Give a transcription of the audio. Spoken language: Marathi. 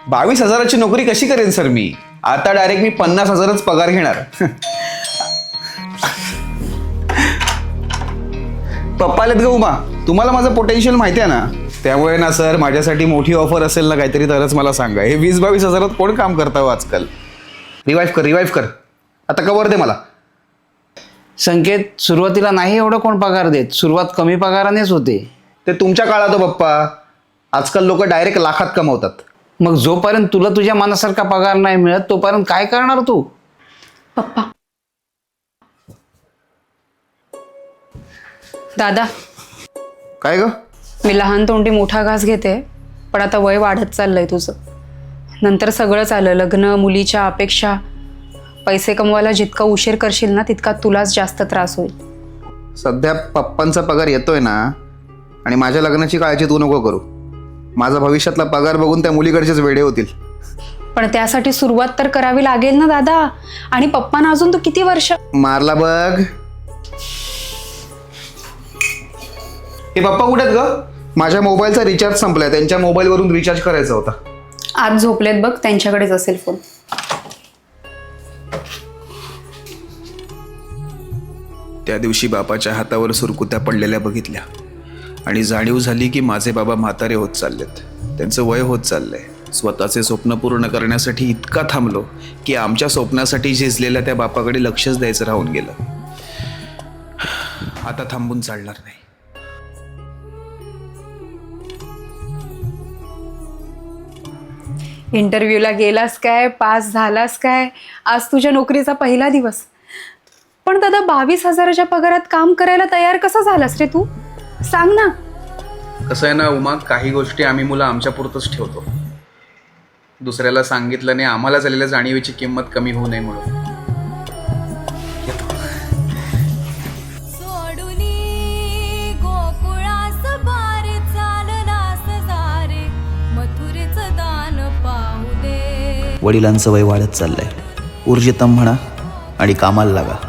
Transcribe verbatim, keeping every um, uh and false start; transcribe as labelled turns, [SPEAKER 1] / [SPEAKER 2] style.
[SPEAKER 1] बावीस हजाराची नोकरी कशी करेन सर मी? आता डायरेक्ट मी पन्नास हजारच पगार घेणार. पप्पा आलेत ग उमा, तुम्हाला माझं पोटेन्शियल माहिती आहे ना, त्यामुळे ना सर माझ्यासाठी मोठी ऑफर असेल ना काहीतरी तरच मला सांगा. हे वीस बावीस हजारात कोण काम करता हो आजकाल? रिवाईव्ह कर रिवाईव्ह कर आता कवर दे मला.
[SPEAKER 2] संकेत, सुरुवातीला नाही एवढं कोण पगार देत, सुरुवात कमी पगारानेच होते.
[SPEAKER 1] ते तुमच्या काळात हो पप्पा, आजकाल लोक डायरेक्ट लाखात कमवतात.
[SPEAKER 2] मग जोपर्यंत तुला तुझ्या मनासारखा पगार नाही मिळत तोपर्यंत काय करणार तू?
[SPEAKER 3] पप्पा, दादा,
[SPEAKER 1] काय ग?
[SPEAKER 3] मी लहान तोंडी मोठा घास घेते, पण आता वय वाढत चाललंय तुझं. नंतर सगळंच आलं, लग्न, मुलीच्या अपेक्षा. पैसे कमवायला जितका उशीर करशील ना तितका तुलाच जास्त त्रास होईल.
[SPEAKER 1] सध्या पप्पांचा पगार येतोय ना, आणि माझ्या लग्नाची काळजी तू नको करू. माझा भविष्यातला पगार बघून त्या मुलीकडचेच वेडे होतील.
[SPEAKER 3] पण त्यासाठी सुरुवात तर करावी लागेल ना दादा. आणि पप्पांना अजून तू किती वर्ष.
[SPEAKER 1] मारला बघ. हे पप्पा कुठे आहेत ग? माझ्या मोबाईलचा रिचार्ज संपलाय, त्यांच्या मोबाईलवरून रिचार्ज करायचा होता.
[SPEAKER 3] आज झोपलेत बघ, त्यांच्याकडेच असेल फोन.
[SPEAKER 1] त्या दिवशी बापाच्या हातावर सुरकुत्या पडलेल्या बघितल्या आणि जाणीव झाली की माझे बाबा म्हातारे होत चाललेत, त्यांचं वय होत चाललंय. स्वतःचे स्वप्न पूर्ण करण्यासाठी इतका थांबलो की आमच्या स्वप्नासाठी झिजलेल्या त्या बापाकडे लक्षच द्यायचं राहून गेलं. आता थांबून चालणार नाही.
[SPEAKER 3] इंटरव्ह्यूला गेलास काय? पास झालास काय? आज तुझ्या नोकरीचा पहिला दिवस. पण दादा, बावीस हजाराच्या पगारात काम करायला तयार कसा झालास रे तू? सांग ना.
[SPEAKER 1] कसं आहे ना उमा, काही गोष्टी आम्ही मुलं आमच्या पुरतच ठेवतो. दुसऱ्याला सांगितलं नाही, आम्हाला झालेल्या जाणीवेची किंमत कमी होऊ नये म्हणून.
[SPEAKER 4] वडिलांचं वय वाढत चाललंय, ऊर्जितम म्हणा आणि कामाला लागा.